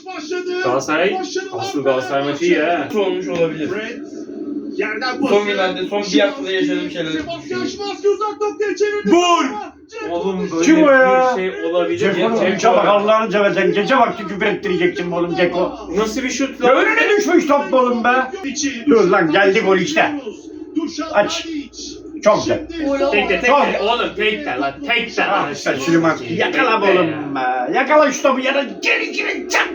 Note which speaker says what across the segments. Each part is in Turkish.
Speaker 1: Galatasaray, asıl Galatasaray maçı iyi ha.
Speaker 2: Olmuş olabilir. Son günlerde, son bir haftada yaşadığım şeyler.
Speaker 1: Gol! Oğlum böyle
Speaker 3: Kim o ya?
Speaker 1: bir şey olabilir.
Speaker 3: Ceko bak Allah'ını seversen gece vakti küfür ettireceksin oğlum Ceko.
Speaker 1: Nasıl bir şut
Speaker 3: Ya
Speaker 1: lan?
Speaker 3: önüne düşmüş top oğlum be. Dur lan geldi gol işte. Aç. Çok güzel.
Speaker 1: Tek de
Speaker 3: Tamam.
Speaker 1: oğlum tek de lan tek de lan.
Speaker 3: Ah sen Süleyman yakala oğlum be. Yakala şu topu ya da geri çak.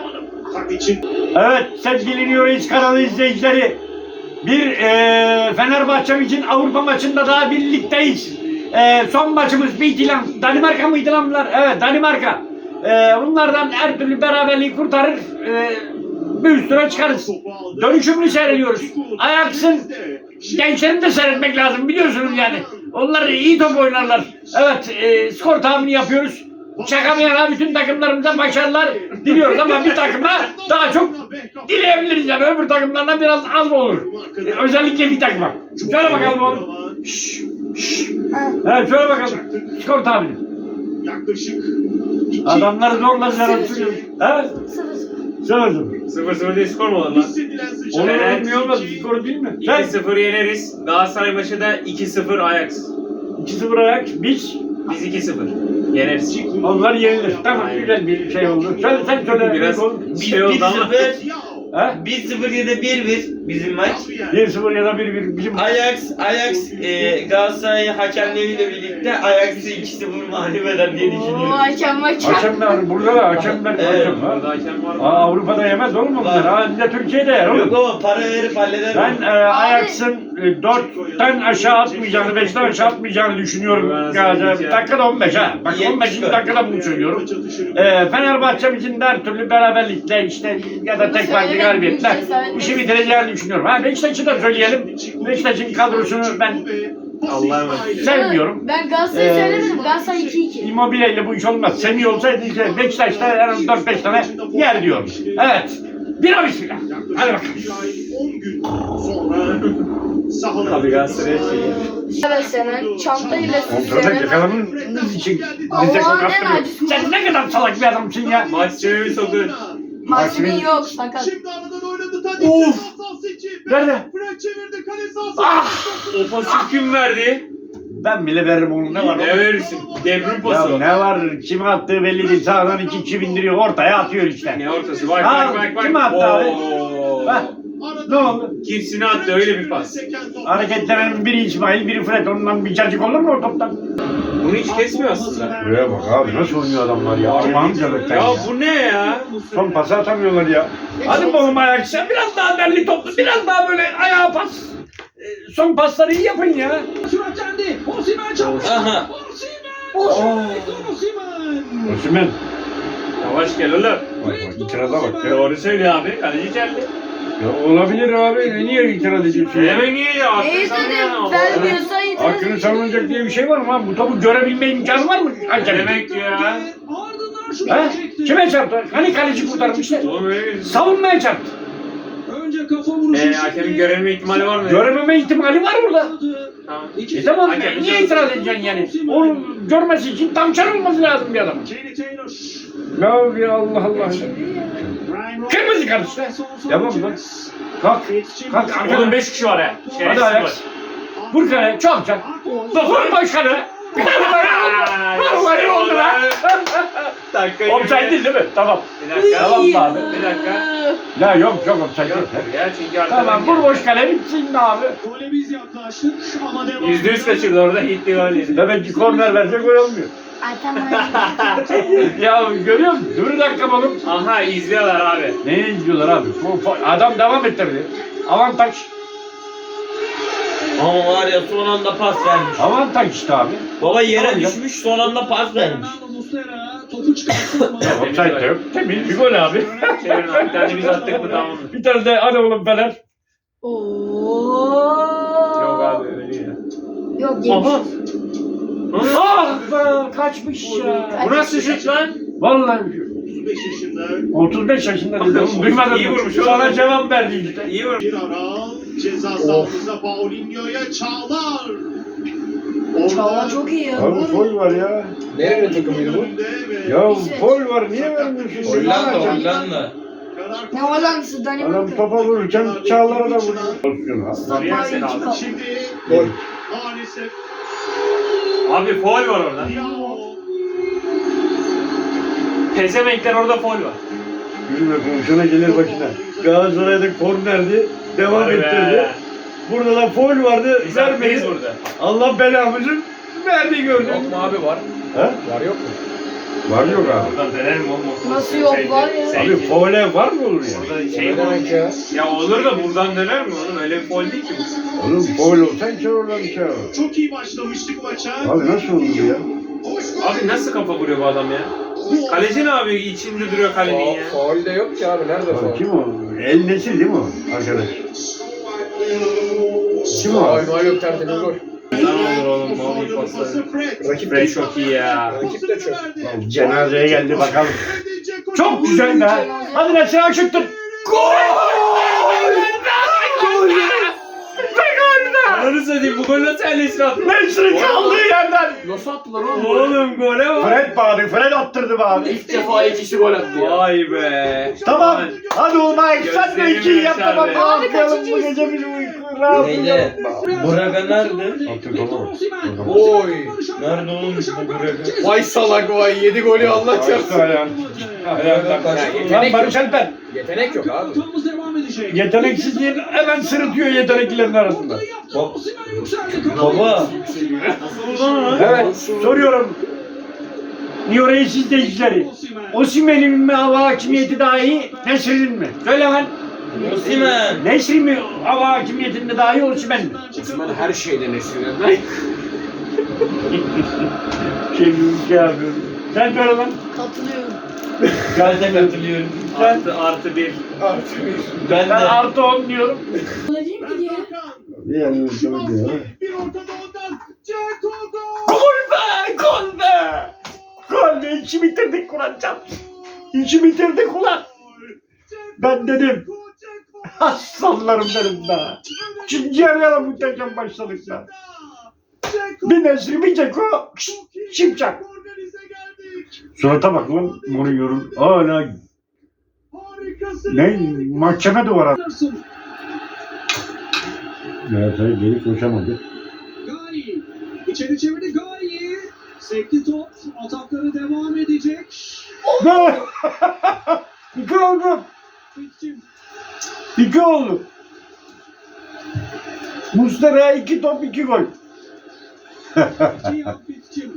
Speaker 3: Evet sevgili New York kanalı izleyicileri. Bir Fenerbahçe için Avrupa maçında daha birlikteyiz. Son maçımız Midtjylland. Danimarka mıydı lan bunlar? Evet Danimarka. Bunlardan her türlü beraberliği kurtarır. Bir üstüne çıkarız. Dönüşümlü seyrediyoruz. Ajax'ın gençlerini de seyretmek lazım biliyorsunuz yani. Onlar iyi top oynarlar. Evet skor tahmini yapıyoruz. Çakamayan bütün takımlarımıza başarılar diliyoruz ama bir takıma daha çok dileyebiliriz yani öbür takımlardan biraz az olur. Özellikle bir takıma. Şöyle bakalım oğlum. Evet şöyle bakalım. Skor tahmini. Adamları zorla yaratıyor. Evet. 0-0.
Speaker 1: 0-0 diye skor mu olur lan?
Speaker 3: Olur
Speaker 1: Evet.
Speaker 3: mu olmaz skor değil mi? Sen
Speaker 1: 2-0 yeneriz. Galatasaray maçı da 2-0 Ajax.
Speaker 3: 2-0 ayak biz
Speaker 1: Biz 2-0 yeneriz.
Speaker 3: onlar yenilir. Tamam güzel bir şey oldu. Sen söyle.
Speaker 1: Biraz bir şey oldu ama.
Speaker 2: 1-0, 1-0 ya da 1-1 bizim maç.
Speaker 3: 1-0 ya da 1-1 bizim
Speaker 2: Ajax Galatasaray hakemleriyle birlikte Ajax'ı 2-0 mağlup eder diye düşünüyorum.
Speaker 3: Hakemler burada da hakemler
Speaker 2: Evet,
Speaker 3: hakem var.
Speaker 1: Burada hakem var mı?
Speaker 3: Avrupa'da yemez oğlum onlar.
Speaker 2: Var.
Speaker 3: Bir de Türkiye'de yer oğlum.
Speaker 2: Yok ama para verip halleder.
Speaker 3: Ben Ajax'ın 4'ten aşağı atmayacağını, 5'ten aşağı atmayacağını düşünüyorum. Dakikada 15 ha. Bak 15. dakikada bunu söylüyorum. Fenerbahçe için de her türlü beraberlikle işte ya da tek farklı galibiyetle işi bitireceğini düşünüyorum. Ha Beşiktaş'ı da söyleyelim. Beşiktaş'ın kadrosunu ben
Speaker 1: Allah'a emanet.
Speaker 3: sevmiyorum.
Speaker 4: Ben Galatasaray'ı söylemedim. Galatasaray 2-2.
Speaker 3: Immobile ile bu iş olmaz. Semih olsaydı işte Beşiktaş'ta en az 4-5 tane yer diyorum. Evet. Bira bismillah. Hadi bakalım.
Speaker 5: 10 gün sonra
Speaker 1: Tabii Galatasaray'a şey.
Speaker 4: Beslenen, çantayla
Speaker 3: Kontrolde
Speaker 4: süslenen.
Speaker 3: yakaladığınız için
Speaker 4: Allah'ın
Speaker 3: bize
Speaker 4: en
Speaker 3: kaptırıyor.
Speaker 4: acısı.
Speaker 3: Sen ne kadar salak bir adamsın ya.
Speaker 1: Maç çevirimi sokun.
Speaker 4: Maksimin yok sakat.
Speaker 5: Şimdi aradan oynadı Tadic.
Speaker 3: Of!
Speaker 5: Seçim.
Speaker 3: Nerede?
Speaker 5: Fred çevirdi kale sahası.
Speaker 3: Ah!
Speaker 1: O pası kim verdi?
Speaker 3: Ben bile veririm onu ne var?
Speaker 1: Ne verirsin? Devrim
Speaker 3: Ya
Speaker 1: pası.
Speaker 3: ne var? Kime attığı belli değil. Sağdan 2 kişi bindiriyor. Ortaya atıyor işte.
Speaker 1: Ne ortası? Bak
Speaker 3: Ha,
Speaker 1: bak bak bak.
Speaker 3: kim attı abi?
Speaker 1: Oo.
Speaker 3: Ha, ne oldu?
Speaker 1: Kimsini attı öyle bir pas.
Speaker 3: Hareketlenen biri İsmail, biri Fred. Ondan bir cacık olur mu o toptan?
Speaker 1: Bunu hiç kesmiyor aslında.
Speaker 3: Buraya bak abi nasıl oynuyor adamlar ya. Allah'ım canım.
Speaker 1: Ya bu ne ya?
Speaker 3: Son pası atamıyorlar ya. Hadi oğlum ayak sen biraz daha derli toplu, biraz daha böyle ayağa pas. Son pasları iyi yapın ya.
Speaker 5: Süratlendi. Osimhen çarptı.
Speaker 2: Aha.
Speaker 3: Osman.
Speaker 1: Yavaş gel oğlum.
Speaker 3: Bak bak itiraza bak ya.
Speaker 1: Doğru söylüyor abi. Kaleci geldi.
Speaker 3: Ya olabilir abi. Niye itiraz ediyorsun ya?
Speaker 1: Hemen niye ya?
Speaker 4: Neyi
Speaker 1: Hakkı
Speaker 4: dedim?
Speaker 1: sana
Speaker 4: Vermiyorsa itiraz
Speaker 3: Hakkını
Speaker 4: edeceğim.
Speaker 3: savunacak diye bir şey var mı abi? Bu topu görebilme imkanı var mı?
Speaker 1: Ne
Speaker 3: Hakem.
Speaker 1: demek ya?
Speaker 5: Ardından şut
Speaker 3: He?
Speaker 5: çekti.
Speaker 3: Kime çarptı? Hani kaleci kurtarmıştı?
Speaker 1: Oğlum öyle bir...
Speaker 3: Savunmaya çarptı.
Speaker 5: Önce kafa vuruşu.
Speaker 1: Hakemin görevme ihtimali var mı?
Speaker 3: Görememe ihtimali var burada.
Speaker 1: Tamam.
Speaker 3: Tamam
Speaker 1: Hakemin
Speaker 3: niye itiraz edeceksin yani? Onu görmesi için tam çarpılması lazım bir adam.
Speaker 5: Kenny Taylor.
Speaker 3: Ya Allah Allah. Kırmızı kart işte. Yapalım lan. Kalk. Kalk.
Speaker 1: Oğlum 5 kişi var ha.
Speaker 3: Hadi
Speaker 1: Şerefsiz var.
Speaker 3: Ajax. Vur kale. Çok çak. Vur başkanı. Vallahi oldu lan.
Speaker 1: Dakika
Speaker 3: Offside değil mi? Tamam.
Speaker 1: Bir dakika.
Speaker 3: Tamam abi.
Speaker 1: Bir dakika.
Speaker 3: Ya yok offside
Speaker 1: Yok
Speaker 3: yok.
Speaker 1: ya çünkü arkadan
Speaker 3: Tamam vur boş kale bitsin de abi.
Speaker 5: Gole biz yaklaştık ama devam.
Speaker 1: %100 kaçırdı orada gitti gol yedi.
Speaker 3: Demek ki korner verse gol olmuyor.
Speaker 4: Ay tamam.
Speaker 3: Ya görüyor musun? Dur bir dakika oğlum.
Speaker 1: Aha izliyorlar abi.
Speaker 3: Neyi izliyorlar abi? Adam devam ettirdi. Avantaj.
Speaker 2: Ama var ya son anda pas vermiş.
Speaker 3: Avantaj işte abi.
Speaker 2: Baba yere
Speaker 3: Tamam ya.
Speaker 2: düşmüş son anda pas vermiş.
Speaker 5: Fernando Muslera topu çıkarttı ama.
Speaker 3: Offside de yok. Temiz bir gol abi.
Speaker 1: Çevirin abi. Bir tane biz attık mı tamam mı?
Speaker 3: Bir tane de hadi oğlum Fener.
Speaker 1: Yok abi öyle değil ya.
Speaker 4: Yok yemiş.
Speaker 1: Aha.
Speaker 3: Ah be kaçmış ya.
Speaker 1: Bu nasıl şut lan?
Speaker 3: Vallahi
Speaker 5: 35 yaşında
Speaker 3: 35 yaşında dedi. Oğlum duymadın
Speaker 1: İyi
Speaker 3: mı?
Speaker 1: vurmuş
Speaker 3: Sana
Speaker 1: oğlum.
Speaker 3: cevap verdi işte.
Speaker 1: İyi vurmuş.
Speaker 5: bir ara ceza sahasında Paulinho'ya Çağlar.
Speaker 4: Çağlar çok iyi ya.
Speaker 3: Abi foul var ya.
Speaker 6: Nerenin takımıydı bu?
Speaker 3: Ya foul var niye vermiyorsun?
Speaker 2: Hollanda,
Speaker 3: Adam
Speaker 2: Hollanda.
Speaker 4: Ne Hollanda'sı Danimarka.
Speaker 3: topa vururken Çağlar'a da vuruyor.
Speaker 1: Sarıyer seni aldı.
Speaker 5: Şimdi
Speaker 6: Gol.
Speaker 5: maalesef
Speaker 1: Abi foul var orada.
Speaker 5: Diallo.
Speaker 1: Pezevenkler orada foul var.
Speaker 3: Yürüme komşuna gelir başına. Galatasaray'da kornerdi. Devam
Speaker 1: Vay be.
Speaker 3: ettirdi. Burada da foul vardı.
Speaker 1: Biz
Speaker 3: Vermedi.
Speaker 1: haklıydız burada.
Speaker 3: Allah belamızın verdiği gördün.
Speaker 6: Yok mu abi var?
Speaker 3: He?
Speaker 6: Var yok mu?
Speaker 3: Var yok abi.
Speaker 1: Oradan döner mi oğlum?
Speaker 4: Nasıl yok, var ya.
Speaker 3: Abi foul'e var mı olur ya?
Speaker 1: Burada
Speaker 6: Şey
Speaker 1: şey
Speaker 6: ne demek ya?
Speaker 1: Ya olur da buradan döner mi oğlum? Öyle bir foul değil ki bu.
Speaker 3: Oğlum foul olsan çağır oradan çağır.
Speaker 5: Çok iyi başlamıştık maça.
Speaker 3: Abi nasıl oldu bu ya?
Speaker 1: Abi nasıl kafa vuruyor bu adam ya? Kaleci ne abi? İçinde duruyor kalenin ya.
Speaker 6: Faul de yok ki abi. Nerede
Speaker 3: Abi
Speaker 6: faul?
Speaker 3: kim o? El Nesil değil mi o arkadaş? Kim o?
Speaker 6: Faul yok, tertemiz gol.
Speaker 1: Ne olur oğlum? Ne olur pasları.
Speaker 6: Rakip
Speaker 1: Fred
Speaker 6: de
Speaker 1: çok iyi ya.
Speaker 6: Rakip de çok.
Speaker 3: Cenazeye geldi bakalım. Çok güzel be. Hadi Nesil aşıktır.
Speaker 1: Ananı satayım bu gol nasıl elleşir attı?
Speaker 3: Nesil kaldığı yerden.
Speaker 6: Nasıl attılar oğlum?
Speaker 1: Oğlum gole bak.
Speaker 3: Fred bağırdı. Fred attırdı be abi.
Speaker 6: İlk defa iki kişi gol attı ya.
Speaker 1: Vay be.
Speaker 3: Tamam. Hadi Umay sen de
Speaker 1: Gözlerimi
Speaker 3: ikiyi yap da bak.
Speaker 1: yaşardı.
Speaker 3: Rahatlayalım bu gece biz uyku rahatlayalım.
Speaker 2: Neydi? Braga nerede?
Speaker 6: Oy.
Speaker 2: Nerede oğlum bu Braga?
Speaker 6: Vay salak vay. 7 golü Allah çarpsın.
Speaker 3: Lan Barış Alper.
Speaker 6: Yetenek yok abi.
Speaker 5: Devam edecek.
Speaker 3: Yeteneksizliğin hemen sırıtıyor yeteneklilerin arasında.
Speaker 2: Baba.
Speaker 3: Evet soruyorum. New Reis izleyicileri. Osimhen'in mi hava hakimiyeti daha iyi, Nesri'nin mi? Söyle lan.
Speaker 2: Osimhen.
Speaker 3: Nesri mi hava hakimiyetinde daha iyi, Osimhen mi?
Speaker 6: Osman her şeyden esinlenir.
Speaker 3: Şey yapıyorum. Sen söyle lan.
Speaker 4: Katılıyorum.
Speaker 2: Ben de katılıyorum.
Speaker 1: Artı bir.
Speaker 2: Ben
Speaker 3: Ben
Speaker 2: de.
Speaker 3: artı 10 diyorum.
Speaker 4: Öyle değil mi diye?
Speaker 3: Yani
Speaker 5: Bir ortada ondan. Ceko gol.
Speaker 3: Gol be! Gol be! Gol be! İşi bitirdik ulan can. İşi bitirdik ulan. Ben dedim. Aslanlarım benim be. İkinci yarıya muhteşem başladık be. Bir Nesri bir Ceko. Şimşak. Surata bak lan Mourinho'nun. Hala ne? Mahkeme duvara. Galatasaray geri koşamadı.
Speaker 5: Gayi. İçeri çevirdi Gayi. Sekti top. Atakları devam edecek.
Speaker 3: Gol! İki oldu.
Speaker 5: Fitçim.
Speaker 3: İki oldu. Muslera 2 top 2 gol.
Speaker 5: Cihan Fitçim.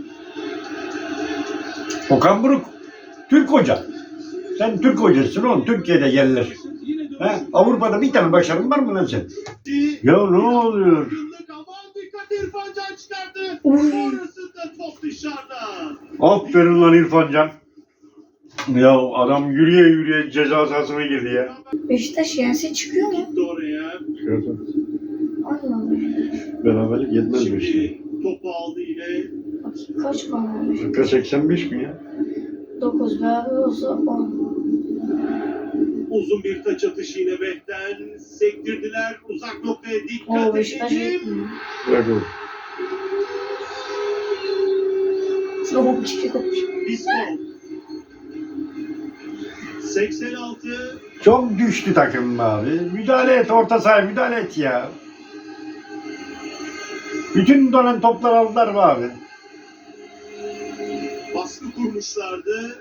Speaker 3: Okan Buruk. Türk hoca. Sen Türk hocasın oğlum. Türkiye'de yerler. He? Avrupa'da bir tane başarın var mı lan sen? Ya ne oluyor?
Speaker 5: Aman dikkat İrfan Can çıkardı. Sonrasında top dışarıda.
Speaker 3: Aferin lan İrfan Can. Ya adam yürüye yürüye ceza sahasına girdi ya.
Speaker 4: Beşiktaş yense çıkıyor mu?
Speaker 5: Gitti oraya.
Speaker 4: Allah Allah.
Speaker 3: Beraberlik yetmez mi işte?
Speaker 5: Şimdi topu aldı yine.
Speaker 4: Bakayım kaç puan olmuş?
Speaker 3: Dakika 85 mi ya?
Speaker 4: 9 beraber olsa 10.
Speaker 5: Uzun bir taç atışı yine Bek'ten. Sektirdiler. Uzak noktaya
Speaker 4: Oo
Speaker 5: dikkat
Speaker 4: Beşiktaş
Speaker 5: edelim.
Speaker 4: yetmiyor.
Speaker 3: Bırak oğlum.
Speaker 4: Soğuk çıkıyor.
Speaker 5: Biskov. 86.
Speaker 3: Çok düştü takım be abi. Müdahale et orta sahaya müdahale et ya. Bütün dönen toplar aldılar be abi.
Speaker 5: Baskı kurmuşlardı.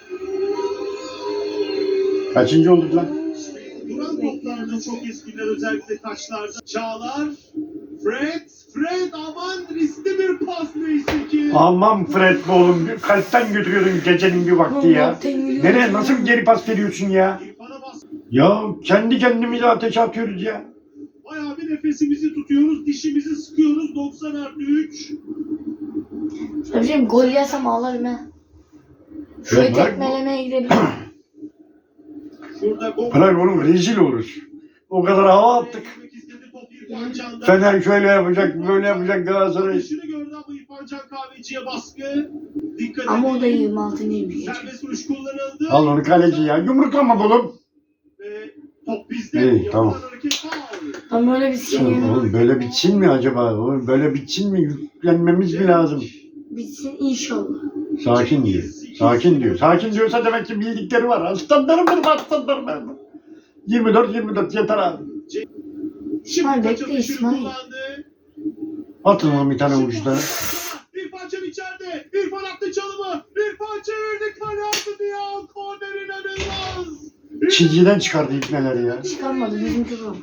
Speaker 3: Kaçıncı olduk lan?
Speaker 5: Duran toplarda çok eskiler özellikle taçlarda. Çağlar. Fred aman riskli bir pas neyse ki.
Speaker 3: Aman Fred be oğlum. Kalpten götürüyordun gecenin bir vakti ya. Nereye nasıl bir geri pas veriyorsun ya?
Speaker 5: İrfan'a bas.
Speaker 3: Ya kendi kendimize ateşe atıyoruz ya.
Speaker 5: Bayağı bir nefesimizi tutuyoruz. Dişimizi sıkıyoruz. 90+3.
Speaker 4: Söyleyeyim gol yersem ağlarım he. Şöyle tekmelemeye gidebilirim.
Speaker 5: Şurada gol.
Speaker 3: Bırak oğlum rezil oluruz. O kadar hava attık. Fener şöyle yapacak, böyle yapacak Galatasaray.
Speaker 5: Dışını gördü ama İrfan Can Kahveci'ye baskı. Dikkat
Speaker 4: Ama o da
Speaker 5: edin.
Speaker 4: 26 değil bir geçiyor.
Speaker 5: Serbest vuruş kullanıldı.
Speaker 3: Al onu kaleci ya. Yumruklama oğlum.
Speaker 5: Ve top bizde.
Speaker 3: İyi,
Speaker 5: Yapılan
Speaker 3: tamam.
Speaker 5: hareket faul.
Speaker 4: Ama öyle bir sinir.
Speaker 3: Oğlum böyle bitsin mi acaba? Oğlum böyle bitsin mi? Yüklenmemiz mi lazım?
Speaker 4: Bitsin inşallah.
Speaker 3: Sakin diyor. Sakin diyor. Sakin diyorsa demek ki bildikleri var. Aslanlarım benim, aslanlarım benim. 24 yeter abi.
Speaker 4: İsmail
Speaker 5: Kaç
Speaker 4: bekle
Speaker 5: atışını
Speaker 4: İsmail.
Speaker 5: kullandı.
Speaker 3: Atın lan bir tane vuruşta.
Speaker 5: İrfan Can içeride. İrfan attı çalımı. İrfan çevirdi. Kale altı ya. Korner inanılmaz.
Speaker 3: Çizgiden çıkardı ipneleri ya.
Speaker 4: Çıkarmadı bizimki bu.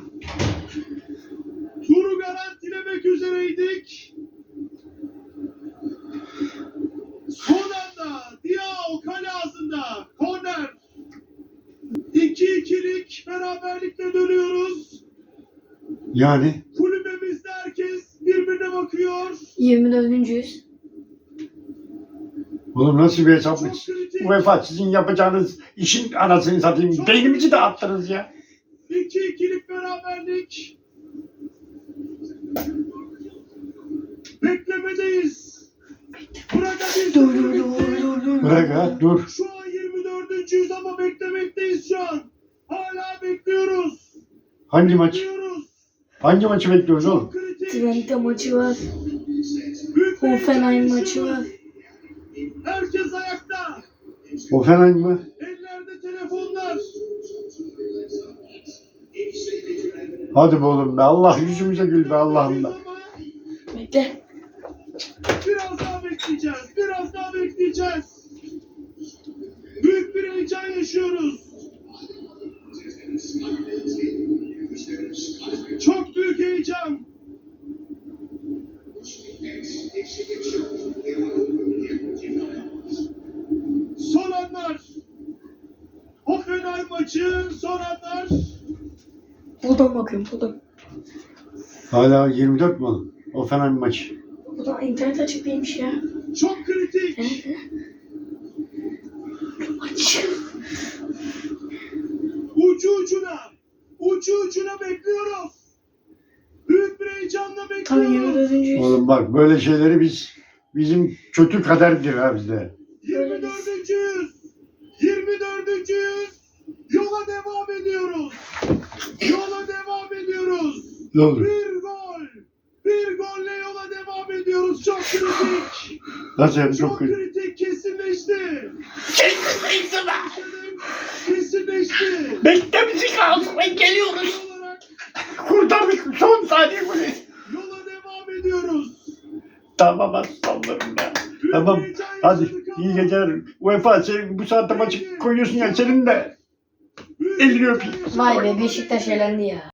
Speaker 5: Turu garantilemek üzereydik. Son anda Diao kale ağzında. Korner. 2-2'lik beraberlikle dönüyoruz.
Speaker 3: Yani
Speaker 5: Kulübemizde herkes birbirine bakıyor.
Speaker 4: 24.yüz.
Speaker 3: oğlum nasıl bir hesaplık?
Speaker 5: Çok kritik.
Speaker 3: UEFA sizin yapacağınız işin anasını satayım. Beynimizi dağıttınız ya.
Speaker 5: 2-2'lik beraberlik. Beklemedeyiz. Burada bir
Speaker 4: Dur dur dur dur dur.
Speaker 3: Bırak ha dur.
Speaker 5: Şu an 24.yüz ama beklemekteyiz şu an. Hala bekliyoruz.
Speaker 3: Hangi maç?
Speaker 5: Bekliyoruz.
Speaker 3: Hangi maçı bekliyoruz oğlum?
Speaker 5: Çok kritik.
Speaker 4: Twente maçı var.
Speaker 5: Büyük bir
Speaker 4: Hoffenheim
Speaker 5: heyecan
Speaker 4: maçı var.
Speaker 5: yaşıyoruz. Herkes ayakta.
Speaker 3: Hoffenheim mı?
Speaker 5: Ellerde telefonlar.
Speaker 3: Hadi be oğlum be. Allah yüzümüze gül be Allah'ım be.
Speaker 4: Bekle.
Speaker 5: Biraz daha bekleyeceğiz. Biraz daha bekleyeceğiz. Büyük bir heyecan yaşıyoruz. Çok büyük heyecan. Son anlar. Hoffenheim maçı son anlar.
Speaker 4: Buradan bakıyorum buradan.
Speaker 3: Hala 24 mi oğlum? Hoffenheim maçı.
Speaker 4: Buradan internet açık değilmiş ya.
Speaker 5: Çok kritik.
Speaker 4: Nerede? Maç.
Speaker 5: Ucu ucuna bekliyoruz. Büyük bir heyecanla
Speaker 4: Tabii
Speaker 5: bekliyoruz.
Speaker 4: 24.yüz.
Speaker 3: Oğlum bak böyle şeyleri bizim kötü kaderdir ha bizde.
Speaker 5: 24.yüz. 24.yüz. Yola devam ediyoruz. Yola devam ediyoruz.
Speaker 3: Ne olur?
Speaker 5: Bir gol. Bir golle yola devam ediyoruz. Çok kritik.
Speaker 3: Nasıl yani
Speaker 5: Çok
Speaker 3: çok kötü?
Speaker 5: kritik. Kesinleşti. Kesinleşti.
Speaker 3: Bekle bizi kalsın geliyoruz.
Speaker 5: Olarak
Speaker 3: Kurtardık son saniye golü.
Speaker 5: yola devam ediyoruz.
Speaker 3: Tamam aslanlarım be.
Speaker 5: Büyük
Speaker 3: Tamam
Speaker 5: heyecan
Speaker 3: hadi
Speaker 5: yaşadık ama
Speaker 3: iyi geceler. UEFA sen bu saatte maçı koyuyorsun ya senin de
Speaker 5: büyük
Speaker 3: elini
Speaker 5: heyecan
Speaker 3: öpeyim.
Speaker 5: yaşadık
Speaker 4: Vay be
Speaker 5: ama
Speaker 4: Beşiktaş elendi ya.